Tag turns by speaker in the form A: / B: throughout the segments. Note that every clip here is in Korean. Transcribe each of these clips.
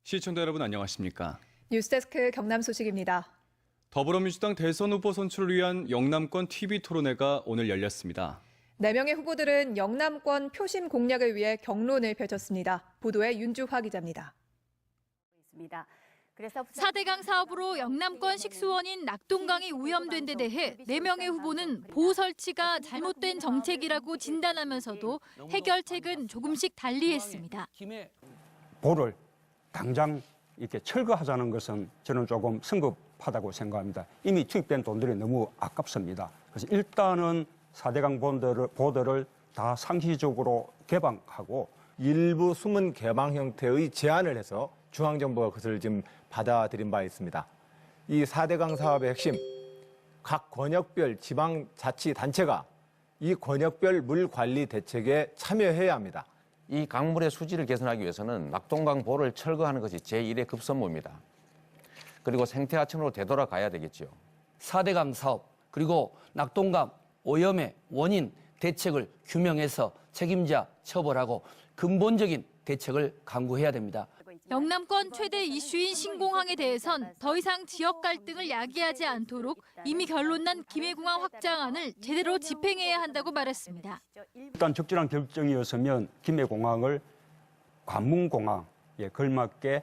A: 시청자 여러분 안녕하십니까?
B: 뉴스데스크 경남 소식입니다.
A: 더불어민주당 대선 후보 선출을 위한 영남권 TV 토론회가 오늘 열렸습니다.
B: 4명의 후보들은 영남권 표심 공략을 위해 경론을 펼쳤습니다. 보도에 윤주화 기자입니다.
C: 4대강 사업으로 영남권 식수원인 낙동강이 오염된 데 대해 4명의 후보는 보호 설치가 잘못된 정책이라고 진단하면서도 해결책은 조금씩 달리했습니다.
D: 보를 당장 이렇게 철거하자는 것은 저는 조금 성급하다고 생각합니다. 이미 투입된 돈들이 너무 아깝습니다. 그래서 일단은 4대강 보들을 다 상시적으로 개방하고
E: 일부 숨은 개방 형태의 제안을 해서 중앙정부가 그것을 지금 받아들인 바 있습니다. 이 4대강 사업의 핵심, 각 권역별 지방자치단체가 이 권역별 물관리 대책에 참여해야 합니다.
F: 이 강물의 수질을 개선하기 위해서는 낙동강 보를 철거하는 것이 제1의 급선무입니다. 그리고 생태하천으로 되돌아가야 되겠죠.
G: 4대강 사업 그리고 낙동강 오염의 원인 대책을 규명해서 책임자 처벌하고 근본적인 대책을 강구해야 됩니다.
C: 영남권 최대 이슈인 신공항에 대해선 더 이상 지역 갈등을 야기하지 않도록 이미 결론난 김해공항 확장안을 제대로 집행해야 한다고 말했습니다.
D: 일단 적절한 결정이었으면 김해공항을 관문공항에 걸맞게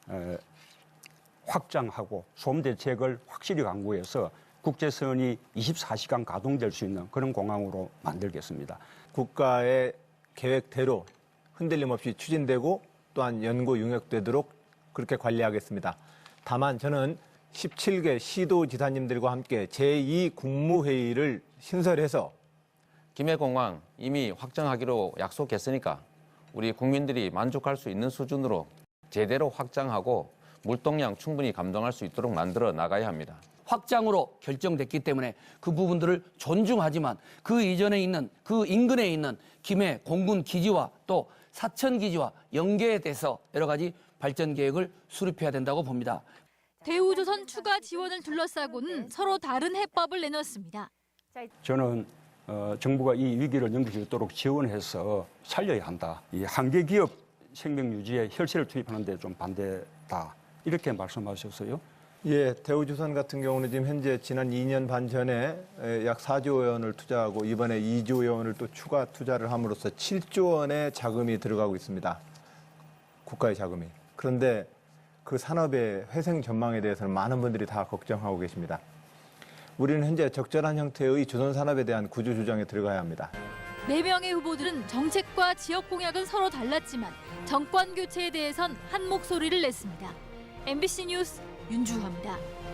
D: 확장하고 소음 대책을 확실히 강구해서 국제선이 24시간 가동될 수 있는 그런 공항으로 만들겠습니다.
E: 국가의 계획대로 흔들림 없이 추진되고 또한 연구 용역되도록 그렇게 관리하겠습니다. 다만 저는 17개 시도지사님들과 함께 제2국무회의를 신설해서
F: 김해공항 이미 확장하기로 약속했으니까 우리 국민들이 만족할 수 있는 수준으로 제대로 확장하고 물동량 충분히 감당할 수 있도록 만들어 나가야 합니다.
G: 확장으로 결정됐기 때문에 그 부분들을 존중하지만 그 이전에 있는 그 인근에 있는 김해 공군 기지와 또 사천 기지와 연계돼서 여러 가지 발전 계획을 수립해야 된다고 봅니다.
C: 대우조선 추가 지원을 둘러싸고는 서로 다른 해법을 내놨습니다.
D: 저는 정부가 이 위기를 넘길 수 있도록 지원해서 살려야 한다. 이 한계 기업 생명 유지에 혈세를 투입하는 데 좀 반대다. 이렇게 말씀하셨어요.
E: 예, 대우조선 같은 경우는 지금 현재 지난 2년 반 전에 약 4조 원을 투자하고 이번에 2조 원을 또 추가 투자를 함으로써 7조 원의 자금이 들어가고 있습니다. 국가의 자금이. 그런데 그 산업의 회생 전망에 대해서는 많은 분들이 다 걱정하고 계십니다. 우리는 현재 적절한 형태의 조선 산업에 대한 구조 조정에 들어가야 합니다.
C: 4명의 후보들은 정책과 지역 공약은 서로 달랐지만 정권 교체에 대해선 한 목소리를 냈습니다. MBC 뉴스 윤주화입니다.